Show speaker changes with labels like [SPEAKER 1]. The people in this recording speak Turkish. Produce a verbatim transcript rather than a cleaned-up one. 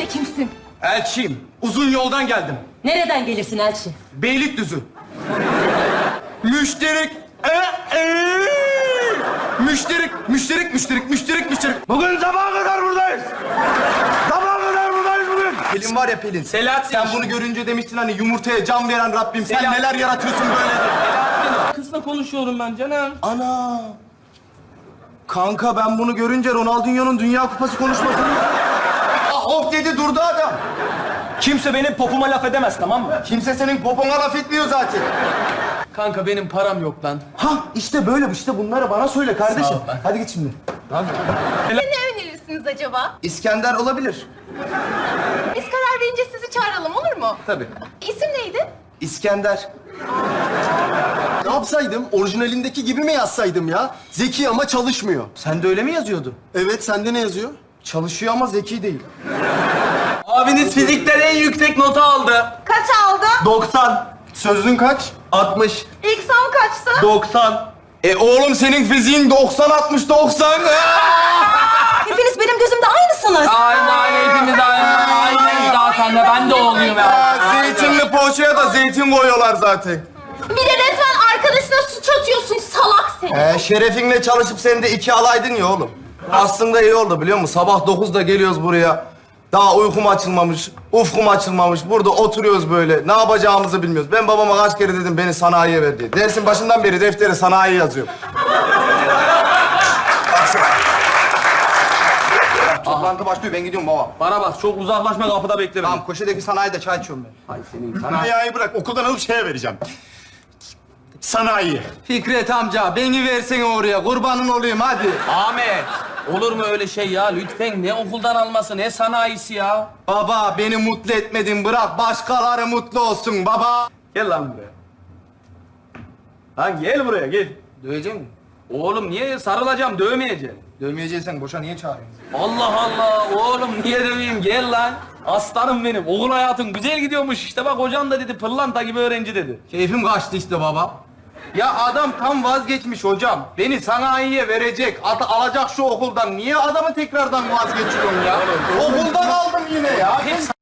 [SPEAKER 1] de kimsin?
[SPEAKER 2] Elçiyim. Uzun yoldan geldim.
[SPEAKER 1] Nereden gelirsin Elçi?
[SPEAKER 2] Beylikdüzü. Müşterik. Ee, ee. Müşterik, müşterik, müşterik, müşterik, müşterik.
[SPEAKER 3] Bugün sabaha kadar buradayız. Sabaha kadar buradayız bugün.
[SPEAKER 2] Pelin var ya Pelin.
[SPEAKER 3] Selahattin.
[SPEAKER 2] Sen bunu görünce demiştin hani yumurtaya can veren Rabbim. Sen
[SPEAKER 3] Selahattin.
[SPEAKER 2] neler yaratıyorsun böyle.
[SPEAKER 3] Kızla konuşuyorum ben canım.
[SPEAKER 2] Ana. Kanka ben bunu görünce Ronaldinho'nun Dünya Kupası konuşmasını... Ah hop dedi durdu adam.
[SPEAKER 3] Kimse benim popuma laf edemez, tamam mı?
[SPEAKER 2] Kimse senin popona laf etmiyor zaten.
[SPEAKER 3] Kanka benim param yok lan.
[SPEAKER 2] Ha işte böyle işte bunları bana söyle kardeşim.
[SPEAKER 3] Sağ ol lan.
[SPEAKER 2] Hadi git şimdi.
[SPEAKER 4] Ne önerirsiniz acaba?
[SPEAKER 2] İskender olabilir.
[SPEAKER 4] Biz karar verince sizi çağıralım, olur mu?
[SPEAKER 2] Tabii.
[SPEAKER 4] İsim neydi?
[SPEAKER 2] İskender.
[SPEAKER 5] Ne yapsaydım? Orijinalindeki gibi mi yazsaydım ya? Zeki ama çalışmıyor.
[SPEAKER 2] Sen de öyle mi yazıyordu?
[SPEAKER 5] Evet, sende ne yazıyor?
[SPEAKER 2] Çalışıyor ama zeki değil.
[SPEAKER 3] Abiniz fizikten en yüksek notu aldı.
[SPEAKER 4] Kaç aldı?
[SPEAKER 2] doksan. Sözlüğün kaç? altmış.
[SPEAKER 4] İlk son kaçtı?
[SPEAKER 2] doksan. E oğlum senin fiziğin doksan, altmış, doksan.
[SPEAKER 1] Hepiniz benim gözümde aynısınız.
[SPEAKER 3] Aynı aynı hepimiz aynı. Aynı zaten de ben de oğluyum ya.
[SPEAKER 2] Aa, zeytinli poğaçaya da zeytin koyuyorlar zaten.
[SPEAKER 4] Bir de resmen arkadaşına suç atıyorsun, salak seni.
[SPEAKER 2] Ee, şerefinle çalışıp sen de iki alaydın ya oğlum. Aslında iyi oldu biliyor musun? Sabah dokuzda geliyoruz buraya. Daha uykum açılmamış, ufkum açılmamış. Burada oturuyoruz böyle. Ne yapacağımızı bilmiyoruz. Ben babama kaç kere dedim beni sanayiye ver diye. Dersin başından beri deftere sanayi yazıyor. Toplantı başlıyor. Ben gidiyorum baba.
[SPEAKER 3] Bana bak çok uzaklaşma, kapıda bekle beni.
[SPEAKER 2] Tamam köşedeki sanayide çay içiyorum ben.
[SPEAKER 3] Ay senin
[SPEAKER 5] Sanayiyi bırak, okuldan alıp şeye vereceğim. Sanayi.
[SPEAKER 2] Fikret amca beni versene oraya. Kurbanın olayım hadi.
[SPEAKER 3] Ahmet, olur mu öyle şey ya? Lütfen ne okuldan alması, ne sanayisi ya?
[SPEAKER 2] Baba beni mutlu etmedin. Bırak başkaları mutlu olsun baba.
[SPEAKER 3] Gel lan buraya. Lan gel buraya, gel.
[SPEAKER 2] Dövecek misin?
[SPEAKER 3] Oğlum niye sarılacağım, dövmeyeceğim.
[SPEAKER 2] Dövmeyeceksen boşa niye çağırıyorsun?
[SPEAKER 3] Allah Allah, oğlum niye döveyim? Gel lan. Aslanım benim. Okul hayatın güzel gidiyormuş. İşte bak hocam da dedi, pırlanta gibi öğrenci dedi.
[SPEAKER 2] Keyfim kaçtı işte baba. Ya adam tam vazgeçmiş hocam. Beni sanayiye verecek, at alacak şu okuldan. Niye adamı tekrardan vazgeçiyorsun ya? Okuldan aldım yine ya.